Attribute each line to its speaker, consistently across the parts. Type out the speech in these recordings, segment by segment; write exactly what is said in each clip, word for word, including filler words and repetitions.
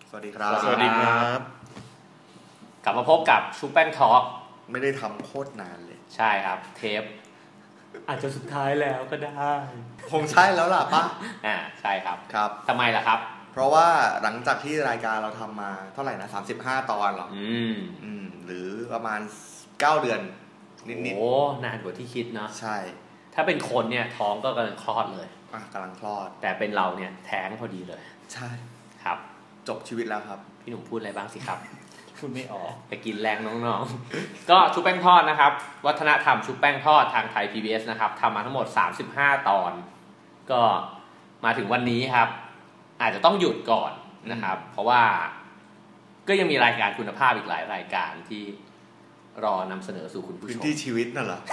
Speaker 1: สวัสดีครับ
Speaker 2: สวัสดีครับ
Speaker 3: กลับมาพบกับชูแป้งทอล์ก
Speaker 1: ไม่ได้ทำโคตรนานเลย
Speaker 3: ใช่ครับเทป
Speaker 2: อาจจะสุดท้ายแล้วก็ได้
Speaker 1: คงใช่แล้วล่ะป่ะ
Speaker 3: อ่าใช่ครับ
Speaker 1: ครับ
Speaker 3: ทำไมล่ะครับ
Speaker 1: เพราะว่าหลังจากที่รายการเราทำมาเท่าไหร่นะสามสิบห้าตอนหรอ
Speaker 3: อืม
Speaker 1: อืมหรือประมาณเก้าเดือนนิดๆ
Speaker 3: โอ้นานกว่าที่คิดเนาะ
Speaker 1: ใช่
Speaker 3: ถ้าเป็นคนเนี่ยท้องก็กำลังคลอดเลย
Speaker 1: อ่ะกำลังคลอด
Speaker 3: แต่เป็นเราเนี่ยแท้งพอดีเลย
Speaker 1: ใช่
Speaker 3: ครับ
Speaker 1: จบชีวิตแล้วครับ
Speaker 3: พี่หนุ่มพูดอะไรบ้างสิครับ
Speaker 2: พูดไม่ออก
Speaker 3: ไปกินแรงน้องๆก็ชุบแป้งทอดนะครับวัฒนธรรมชุบแป้งทอดทางไทย พี บี เอส นะครับทำมาทั้งหมดสามสิบห้าตอนก็มาถึงวันนี้ครับอาจจะต้องหยุดก่อนนะครับเพราะว่าก็ยังมีรายการคุณภาพอีกหลายรายการที่รอนำเสนอสู่คุณผู้ชม
Speaker 1: พื้นที่ชีวิตนั่นเหรอ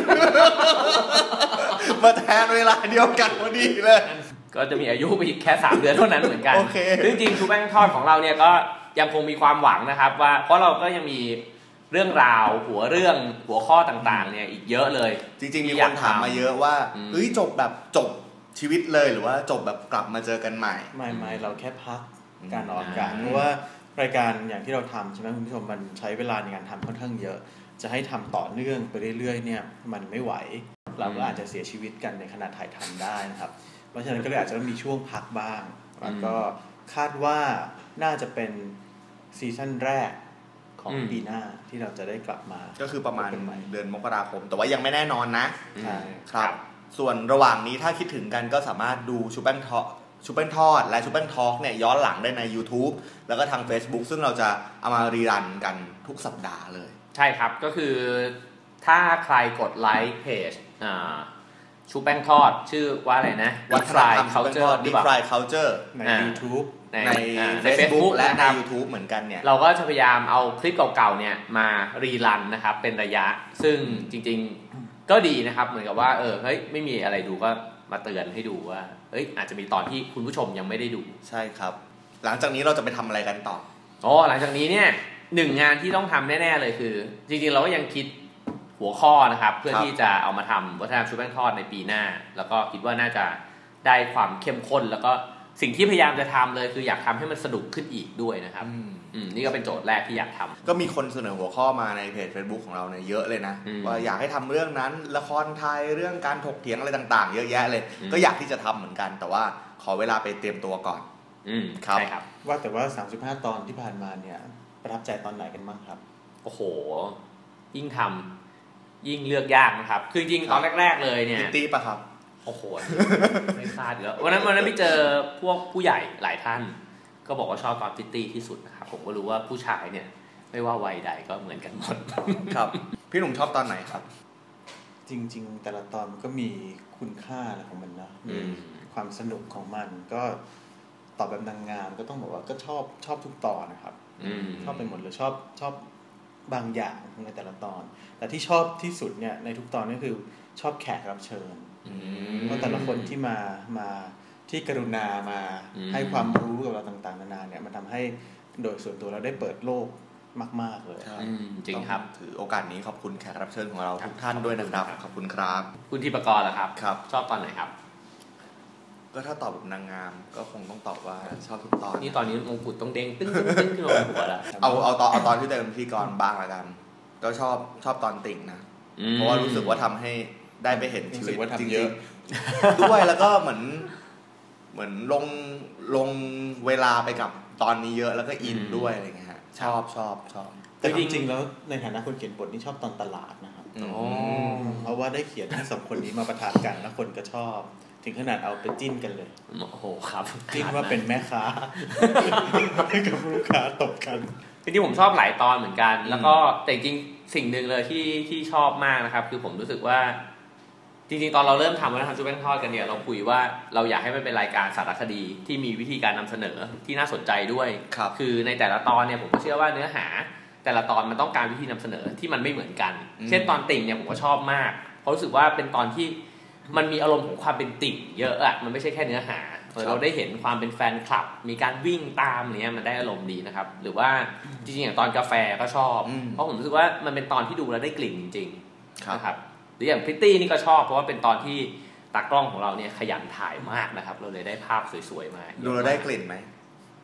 Speaker 1: มาแทนเวลาเดียวกันพอดีเลย
Speaker 3: ก็จะมีอายุไปอีกแค่สามเดือนเท่านั้นเหมือนกัน
Speaker 1: okay.
Speaker 3: จริงๆชุบแป้งทอดของเราเนี่ยก็ยังคงมีความหวังนะครับว่าเพราะเราก็ยังมีเรื่องราวหัวเรื่องหัวข้อต่างๆเนี่ยอีกเยอะเลย
Speaker 1: จริงๆมีคนถามมาเยอะว่าเฮ้ยจบแบบจบชีวิตเลยหรือว่าจบแบบกลับมาเจอกันใหม่
Speaker 2: ไม่ไม่เราแค่พักการออกอากาศเพราะว่ารายการอย่างที่เราทำใช่ไหมคุณผู้ชมมันใช้เวลาในการทำค่อนข้างเยอะจะให้ทำต่อเนื่องไปเรื่อยๆเนี่ยมันไม่ไหวเราก็อาจจะเสียชีวิตกันในขณะถ่ายทำได้นะครับเพราะฉะนั้นก็เลยอาจจะต้องมีช่วงพักบ้างแล้วก็คาดว่าน่าจะเป็นซีซั่นแรกของปีหน้าที่เราจะได้กลับมา
Speaker 1: ก็คือประมาณเดือนมกราคมแต่ว่ายังไม่แน่นอนนะ
Speaker 2: ใช่
Speaker 1: ครับส่วนระหว่างนี้ถ้าคิดถึงกันก็สามารถดูชูแป้งทอดชูแป้งทอดและชูแป้งทอล์กเนี่ยย้อนหลังได้ใน YouTube แล้วก็ทาง Facebook ซึ่งเราจะเอามารีรันกันทุกสัปดาห์เลย
Speaker 3: ใช่ครับก็คือถ้าใครกดไลค์เพจอ่าชูแป้งทอดชื่อว่าอะไรนะ
Speaker 1: Deep Fry Culture Deep Fry Culture
Speaker 2: ใน YouTube
Speaker 1: ในใน Facebook และใน YouTube เหมือนกันเนี่ย
Speaker 3: เราก็จะพยายามเอาคลิปเก่าๆเนี่ยมารีรันนะครับเป็นระยะซึ่งจริงๆก็ดีนะครับเหมือนกับว่าเออเฮ้ยไม่มีอะไรดูก็มาเตือนให้ดูว่าเอ้ยอาจจะมีตอนที่คุณผู้ชมยังไม่ได้ดู
Speaker 1: ใช่ครับหลังจากนี้เราจะไปทำอะไรกันต่อ
Speaker 3: อ๋อหลังจากนี้เนี่ยหนึ่งงานที่ต้องทำแน่ๆเลยคือจริงๆเราก็ยังคิดหัวข้อนะครับเพื่อที่จะเอามาทำวัฒนธรรมชุบแป้งทอดในปีหน้าแล้วก็คิดว่าน่าจะได้ความเข้มข้นแล้วก็สิ่งที่พยายามจะทำเลยคืออยากทำให้มันสนุกขึ้นอีกด้วยนะครับอืมนี่ก็เป็นโจทย์แรกที่อยากทำ
Speaker 1: ก็มีคนเสนอหัวข้อมาในเพจ Facebook ของเราเนี่ยเยอะเลยนะว่าอยากให้ทำเรื่องนั้นละครไทยเรื่องการถกเถียงอะไรต่างๆเยอะแยะเลยก็อยากที่จะทำเหมือนกันแต่ว่าขอเวลาไปเตรียมตัวก่อน
Speaker 3: อืมครับใช่ครับ
Speaker 2: ว่าแต่ว่าสามสิบห้าตอนที่ผ่านมาเนี่ยประทับใจตอนไหนกันบ้างครับ
Speaker 3: โอ้โหยิ่งทำยิ่งเลือกยากนะครับคือจริงๆตอนแรกๆเลยเนี่ย
Speaker 1: พิตตี้ป่ะครับ
Speaker 3: โอ้โหไม่พลาดแล้ววันนั้นวันนั้นไปเจอพวกผู้ใหญ่หลายท่านก็บอกว่าชอบตอนพิตตี้ที่สุดนะครับผมก็รู้ว่าผู้ชายเนี่ยไม่ว่าวัยใดก็เหมือนกันหมด
Speaker 1: ครับพี่หนุ่มชอบตอนไหนครับ
Speaker 2: จริงๆแต่ละตอนมันก็มีคุณค่าอะไรของมันนะมีความสนุกของมันก็ตอบแบบนางงามก็ต้องบอกว่าก็ชอบชอบทุกตอนนะครับชอบไปหมดเลยชอบชอบบางอย่างในแต่ละตอนแต่ที่ชอบที่สุดเนี่ยในทุกตอนก็คือชอบแขกรับเชิญเพราะแต่ละคนที่มามาที่กรุณามาให้ความรู้กับเราต่างๆนานาเนี่ยมันทำให้โดยส่วนตัวเราได้เปิดโลกมากๆเลย
Speaker 3: จริงครับ
Speaker 1: ถือโอกาสนี้ขอบคุณแขกรับเชิญของเราทุกท่านด้วยนะครับขอบคุณครับ
Speaker 3: คุณธีปกรณ์ล่ะครับ
Speaker 1: ครับ
Speaker 3: ชอบตอนไหนครับ
Speaker 1: ก็ถ้าตอบแบบนางงามก็คงต้องตอบว่าชอบทุกตอน
Speaker 3: นี่ตอนนี้มงกุฎต้องเด้งตึ้งตึ้งตึ้งขึ้นมาหัวแล้ว
Speaker 1: เอาเอาตอนเอาตอนที่เป็นพิธีกรบ้างละกันก็ชอบชอบตอนติ่งนะเพราะว่ารู้สึกว่าทำให้ได้ไปเห็นชีวิตจริงๆด้วยแล้วก็เหมือนเหมือนลงลงเวลาไปกับตอนนี้เยอะแล้วก็อินด้วยอะไรเงี้ยฮะชอบชอบชอบ
Speaker 2: แต่จริงๆแล้วในฐานะคนเขียนบทนี่ชอบตอนตลาดนะครับเพราะว่าได้เขียนให้สองคนนี้มาประทานกันแล้วคนก็ชอบถึงขนาดเอาไปจิ้นกันเลย
Speaker 3: โอ้โหครับ
Speaker 2: จิ้นว่าเป็นแม่ค้าให้กับลูกค้าตบกัน
Speaker 3: จริงๆผมชอบหลายตอนเหมือนกันแล้วก็แต่จริงสิ่งหนึ่งเลยที่ที่ชอบมากนะครับคือผมรู้สึกว่าจริงๆตอนเราเริ่มทำวัฒนธรรมชุบแป้งทอดกันเนี่ยเราคุยว่าเราอยากให้มันเป็นรายการสารคดีที่มีวิธีการนำเสนอที่น่าสนใจด้วยคือในแต่ละตอนเนี่ยผมก็เชื่อว่าเนื้อหาแต่ละตอนมันต้องการวิธีนำเสนอที่มันไม่เหมือนกันเช่นตอนติ่งเนี่ยผมก็ชอบมากเพราะรู้สึกว่าเป็นตอนที่มันมีอารมณ์ของความเป็นติ่งเยอะอะมันไม่ใช่แค่เนื้อหาเราได้เห็นความเป็นแฟนคลับมีการวิ่งตามอะไรเงี้ยมันได้อารมณ์ดีนะครับหรือว่าจริงๆอย่างตอนกาแฟก็ชอบเพราะผมรู้สึกว่ามันเป็นตอนที่ดูแล้วได้กลิ่นจริงๆนะครับหรืออย่างพริตตี้นี่ก็ชอบเพราะว่าเป็นตอนที่ตากล้องของเราเนี่ยขยันถ่ายมากนะครับเราเลยได้ภาพสวยๆมา
Speaker 1: ดูเราได้กลิ่นไหม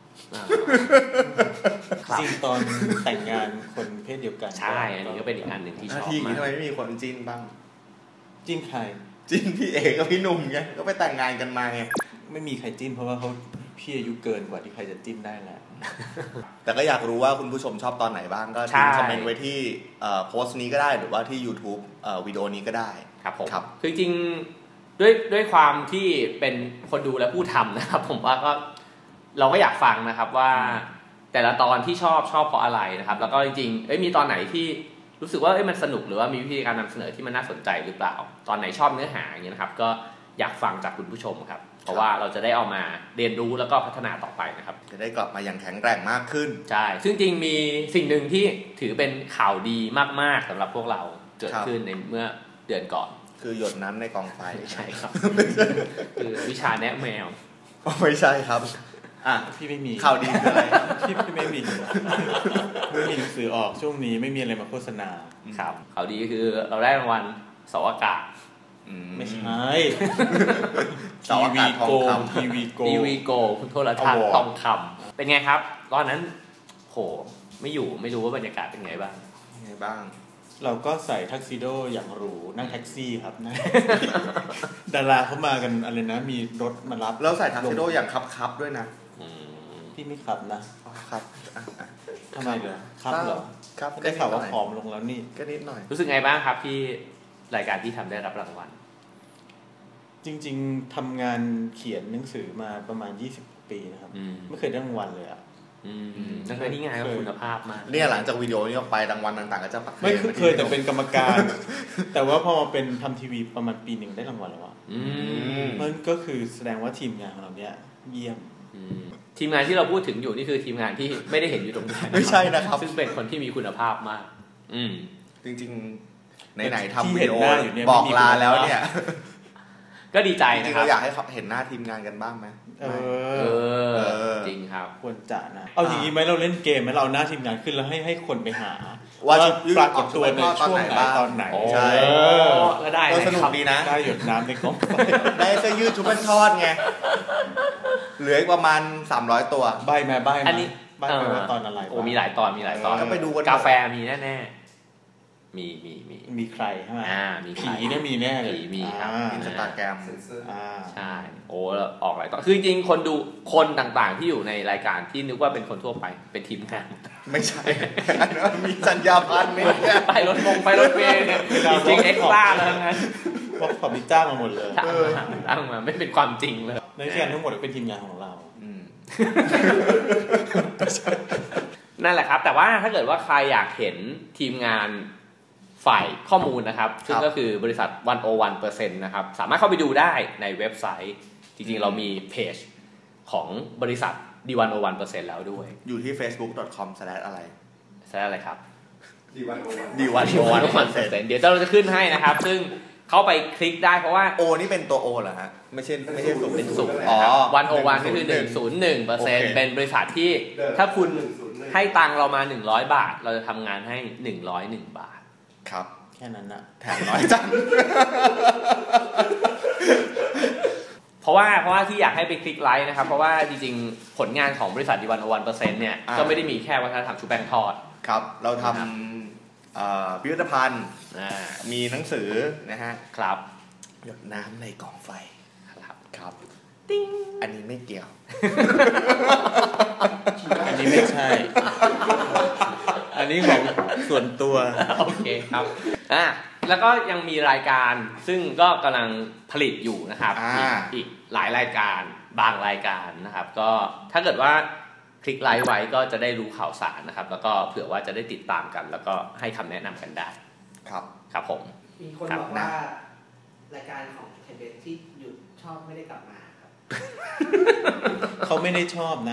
Speaker 2: จริงตอนแต่งงานคนเพศเดียวกัน
Speaker 3: ใช่อันนี้ก็เป็นอีกอันหนึ่งที่ชอบ
Speaker 1: มากทำไมไม่มีคนจิ้นบ้าง
Speaker 2: จิ้นใคร
Speaker 1: จิ้นพี่เอกกับพี่หนุ่มไงก็ไปแต่งงานกันมาไง
Speaker 2: ไม่มีใครจิ้นเพราะว่าเขาพี่อายุเกินกว่าที่ใครจะจิ้นได้แหละ
Speaker 1: แต่ก็อยากรู้ว่าคุณผู้ชมชอบตอนไหนบ้างก็ทิ้งคอมเมนต์ไว้ที่โพสต์นี้ก็ได้หรือว่าที่ YouTube วิดีโอนี้ก็ได้
Speaker 3: ครับผมคือจริงๆด้วยด้วยความที่เป็นคนดูและผู้ทำนะครับผมว่าก็เราก็อยากฟังนะครับว่าแต่ละตอนที่ชอบชอบเพราะอะไรนะครับแล้วก็จริงๆเอ้ยมีตอนไหนที่รู้สึกว่าเอ้ยมันสนุกหรือว่ามีวิธีการนำเสนอที่มันน่าสนใจหรือเปล่าตอนไหนชอบเนื้อหาอย่างเงี้ยนะครับก็อยากฟังจากคุณผู้ชมครับเพราะว่าเราจะได้เอามาเรียนรู้แล้วก็พัฒนาต่อไปนะครับ
Speaker 1: จะได้กลับมาอย่างแข็งแกร่งมากขึ้น
Speaker 3: ใช่ซึ่งจริงมีสิ่งหนึ่งที่ถือเป็นข่าวดีมากๆสำหรับพวกเราเกิดขึ้นในเมื่อเดือนก่อน
Speaker 1: คือหยดน้ำในกองไฟ
Speaker 3: ใช่ครับคือวิชาแนะแมว
Speaker 1: ไม่ใช่ครับ
Speaker 2: อ่ะพี่ไม่มี
Speaker 1: ข่าวดีคืออะไร
Speaker 2: พี่พี่ไม่มีไม่มีหนังสือออกช่วงนี้ไม่มีอะไรมาโฆษณา
Speaker 3: ครับข่าวดีคือเราได้รางวัลเสาอากาศ
Speaker 2: ไม่ใช่
Speaker 1: เสาอากาศทองคำ
Speaker 2: ทีวีโก
Speaker 3: ทีวีโกคุณโทรทัศน์ทองคำเป็นไงครับตอนนั้นโหไม่อยู่ไม่รู้ว่าบรรยากาศเป็นไงบ้าง
Speaker 1: ไงบ้าง
Speaker 2: เราก็ใส่ทักซิโดอย่างหรูนั่งแท็กซี่ครับนะดาราเขามากันอะไรนะมีรถมารับ
Speaker 1: แล้วใส่ทักซิโดอย่างคับๆด้วยนะ
Speaker 2: พี่ไม่ขับนะครับทำไมเหรอครับเหรอ
Speaker 1: ครับ
Speaker 2: ได้ข่าวว่าผอมลงแล้วนี่
Speaker 1: ก็นิดหน่อย
Speaker 3: รู้สึกไงบ้างครับที่รายการที่ทำได้รับรางวัล
Speaker 2: จริงๆทำงานเขียนหนังสือมาประมาณยี่สิบปีนะครับไม่เคยได้รางวัลเลยอ่ะ
Speaker 3: นั่นคือที่งานก็คุณภาพมาก
Speaker 1: เนี่ยหลังจากวิดีโอนี้ออกไปรางวัลต่างๆก็จะปัก
Speaker 2: ไม่เคยแต่เป็นกรรมการแต่ว่าพอมาเป็นทำทีวีประมาณปีหนึ่งได้รางวัลแล้วอ่ะมันก็คือแสดงว่าทีมงานของเราเนี่ยเยี่ยม
Speaker 3: ทีมงานที่เราพูดถึงอยู่นี่คือทีมงานที่ไม่ได้เห็นอยู่ตรงนี้
Speaker 1: ไม่ใช่นะครับ
Speaker 3: ซึ่งเป็นคนที่มีคุณภาพมากอืม
Speaker 1: จริงๆไหนๆทำวิดีโอบอกลาแล้วเนี่ย
Speaker 3: ก็ดีใจนะ
Speaker 1: จริงๆเราอยากให้เห็นหน้าทีมงานกันบ้างไหม
Speaker 3: เออจริงครับ
Speaker 2: ควรจะนะเอาอย่างนี้ไหมเราเล่นเกมไหมเราหน้าทีมงานขึ้นแล้วให้ให้คนไปหาว่าปรากฏตัวในช่วงไหนตอนไหน
Speaker 1: ใช่
Speaker 3: ก็ได้
Speaker 1: สนุกดีนะ
Speaker 2: ได้หยดน้ำในกล้อง
Speaker 1: ได้เสื้อยืดชุบเป็นทอดไงเหลืออีกประมาณสามร้อยตัว
Speaker 2: ใบแม่ใบอันนี้ใบแม่ว่าตอนอะไร
Speaker 3: โอ้มีหลายตอนมีหลายตอน
Speaker 1: ก็ไปดูกัน
Speaker 3: กาแฟมีแน่ๆมีมีมี
Speaker 2: มีใครใช่ไหม
Speaker 3: อ่ามี
Speaker 2: ผีเนี่ยมีแน่เลย
Speaker 3: ผีมีครับ
Speaker 1: อินสตาแกรม
Speaker 3: ใช่โอ้ออกหลายตอนคือจริงคนดูคนต่างๆที่อยู่ในรายการที่นึกว่าเป็นคนทั่วไปเป็นทีมงาน
Speaker 1: ไม่ใช่มีสัญญาพันธ์เนี่ย
Speaker 3: ไปรถมงไปรถเมล์เนี่ยจริงเอ็กซ์ต้าเลยงั้น
Speaker 2: ว่าขอมีจ้างมาหมดเลย
Speaker 3: จ้างมาไม่เป็นความจริงเลย
Speaker 2: ในที่ทั้งหมดเป็นทีมงานของเรา
Speaker 3: นั่นแหละครับแต่ว่าถ้าเกิดว่าใครอยากเห็นทีมงานฝ่ายข้อมูลนะครับซึ่งก็คือบริษัทหนึ่งร้อยหนึ่งเปอร์เซ็นต์ นะครับสามารถเข้าไปดูได้ในเว็บไซต์จริงๆเรามีเพจของบริษัท ดี หนึ่งร้อยหนึ่งเปอร์เซ็นต์ แล้วด้วย
Speaker 1: อยู่ที่ เฟซบุ๊ก ดอท คอม สแลช อะไร
Speaker 3: สแลช อะไรครับ
Speaker 1: ดี หนึ่งร้อยหนึ่ง
Speaker 3: ดี หนึ่งร้อยหนึ่งเปอร์เซ็นต์ เดี๋ยวเราจะขึ้นให้นะครับซึ่งเข้าไปคลิกได้เพราะว่า
Speaker 1: O นี่เป็นตัว O เหรอฮะไม่ใช่ไม่ใช่ศูนย์
Speaker 3: เป็นศูนย์อ๋อหนึ่งร้อยหนึ่งก็คือหนึ่งร้อยหนึ่งเปอร์เซ็นต์ เป็นบริษัทที่ถ้าคุณให้ตังค์เรามาหนึ่งร้อยบาทเราจะทำงานให้หนึ่งร้อยเอ็ดบาท
Speaker 1: ครับ
Speaker 2: แค่นั้นนะ
Speaker 1: แถมน้อยจัง
Speaker 3: เพราะว่าเพราะว่าที่อยากให้ไปคลิกไลค์นะครับเพราะว่าจริงๆผลงานของบริษัท ดี หนึ่งร้อยหนึ่งเปอร์เซ็นต์ เนี่ยก็ไม่ได้มีแค่วัฒนธรรมชุบแป้งทอด
Speaker 1: ครับเราทำพิพิธภัณฑ์มีหนังสือนะฮะ
Speaker 3: ครับ
Speaker 1: หยดน้ำในกองไฟ
Speaker 3: ครับ
Speaker 1: ครับติ้งอันนี้ไม่เกี่ยว
Speaker 2: อันนี้ไม่ใช่อันนี้ของส่วนตัว
Speaker 3: โอเคครับอ่ะแล้วก็ยังมีรายการซึ่งก็กำลังผลิตอยู่นะครับอีกอีกหลายรายการบางรายการนะครับก็ถ้าเกิดว่าคลิกไลค์ไว้ก็จะได้รู้ข่าวสารนะครับแล้วก็เผื่อว่าจะได้ติดตามกันแล้วก็ให้คำแนะนำกันได้
Speaker 1: ครับ
Speaker 3: ครับผม
Speaker 4: มีคนบอกว่ารายการของเทเบตที่หยุดชอบไม่ได้กลับมาครับ
Speaker 2: เขาไม่ได้ชอบนะ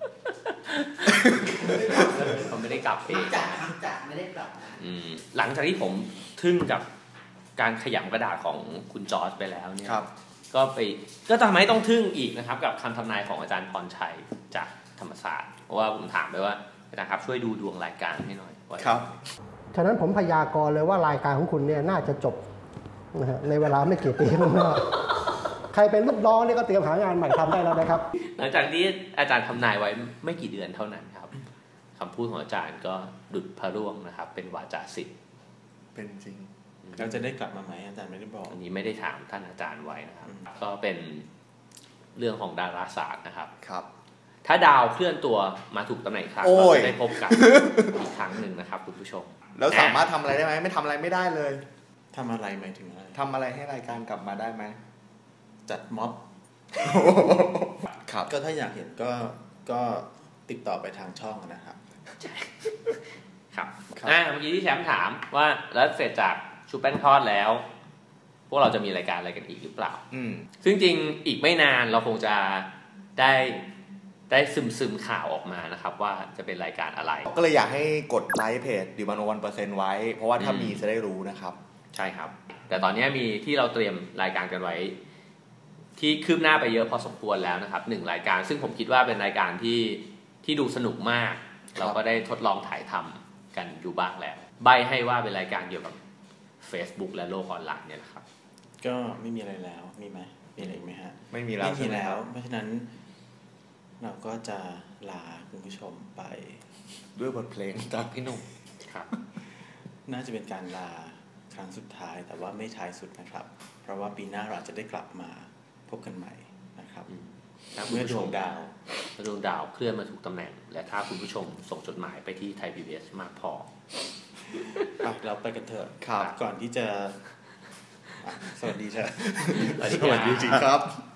Speaker 3: เขาไม่ได้กลับเอง
Speaker 4: จากจากไม่ได้กลับมา
Speaker 3: หลังจากที่ผมทึ่งกับการขยำกระดาษของคุณจอร์จไปแล้วเนี่ยก็ไปก็ทำให้ต้องทึ่งอีกนะครับกับคำทำนายของอาจารย์พรชัยจากธรรมศาสตร์เพราะว่าผมถามไปว่าอาจารย์ครับช่วยดูดวงรายการให้หน่อย
Speaker 1: ครับ
Speaker 5: ฉะนั้นผมพยากรณ์เลยว่ารายการของคุณเนี่ยน่าจะจบนะฮะในเวลาไม่กี่ปีข้างหน้าใครเป็นลูกน้องนี่ก็เตรียมหางานใหม่ทำได้แล้วนะครับ
Speaker 3: หลังจากที่อาจารย์ทำนายไว้ไม่กี่เดือนเท่านั้นครับคำพูดของอาจารย์ก็ดุจพระร่วงนะครับเป็นวาจาศิษย์
Speaker 1: เป็นจริง
Speaker 2: เราจะได้กลับมาไหมอาจารย์ไม่ได้บอก
Speaker 3: อันนี้ไม่ได้ถามท่านอาจารย์ไว้นะครับก็เป็นเรื่องของดาราศาสตร์นะครับ
Speaker 1: ครับ
Speaker 3: ถ้าดาวเคลื่อนตัวมาถูกตำแหน่งครั้งเราจะได้พบกันอีกครั้งหนึ่งนะครับคุณผู้ชม
Speaker 1: แล้วสามารถทำอะไรได้ไหมไม่ทำอะไรไม่ได้เลย
Speaker 2: ทำอะไรหมายถึงอะไร
Speaker 1: ทำอะไรให้รายการกลับมาได้ไหม
Speaker 2: จัดม็อบครับก็ถ้าอยากเห็นก็ก็ติดต่อไปทางช่องนะครับ
Speaker 3: ครับอ่าเมื่อกี้ที่แชมป์ถามว่าแล้วเสร็จจากชุบแป้งทอดแล้วพวกเราจะมีรายการอะไรกันอีกหรือเปล่า
Speaker 1: อืม
Speaker 3: ซึ่งจริงอีกไม่นานเราคงจะได้ได้ซึมซึมข่าวออกมานะครับว่าจะเป็นรายการอะไร
Speaker 1: ก็เลยอยากให้กดไลค์เพจดิวานวันเปอร์เซ็นต์ไว้เพราะว่าถ้ามีจะได้รู้นะครับ
Speaker 3: ใช่ครับแต่ตอนนี้มีที่เราเตรียมรายการกันไว้ที่คืบหน้าไปเยอะพอสมควรแล้วนะครับหนึ่งรายการซึ่งผมคิดว่าเป็นรายการที่ที่ดูสนุกมากเราก็ได้ทดลองถ่ายทำกันอยู่บ้างแล้วใบให้ว่าเป็นรายการเกี่ยวกับ Facebook และโลกออนไลน์เนี่ยนะครับ
Speaker 2: ก็ไม่มีอะไรแล้วมีไหมมีอะไรไหมฮะ
Speaker 1: ไม่มีแล้ว
Speaker 2: ไม่มีแล้วเพราะฉะนั้นเราก็จะลาคุณผู้ชมไป
Speaker 1: ด้วยบทเพลงจากพี่หนุ่ม
Speaker 3: ครับ
Speaker 2: น่าจะเป็นการลาครั้งสุดท้ายแต่ว่าไม่ท้ายสุดนะครับเพราะว่าปีหน้าเราจะได้กลับมาพบกันใหม่นะครับเมื่อดวงดาว
Speaker 3: ดวงดาวเคลื่อนมาถูกตำแหน่งและถ้าคุณผู้ชมส่งจดหมายไปที่ไทย พี บี เอส มากพอ
Speaker 2: เราไปกันเถอะ
Speaker 1: ครับ
Speaker 2: ก่อนที่จะสวัสดีเถอะ
Speaker 1: สวัสดีจริงครับ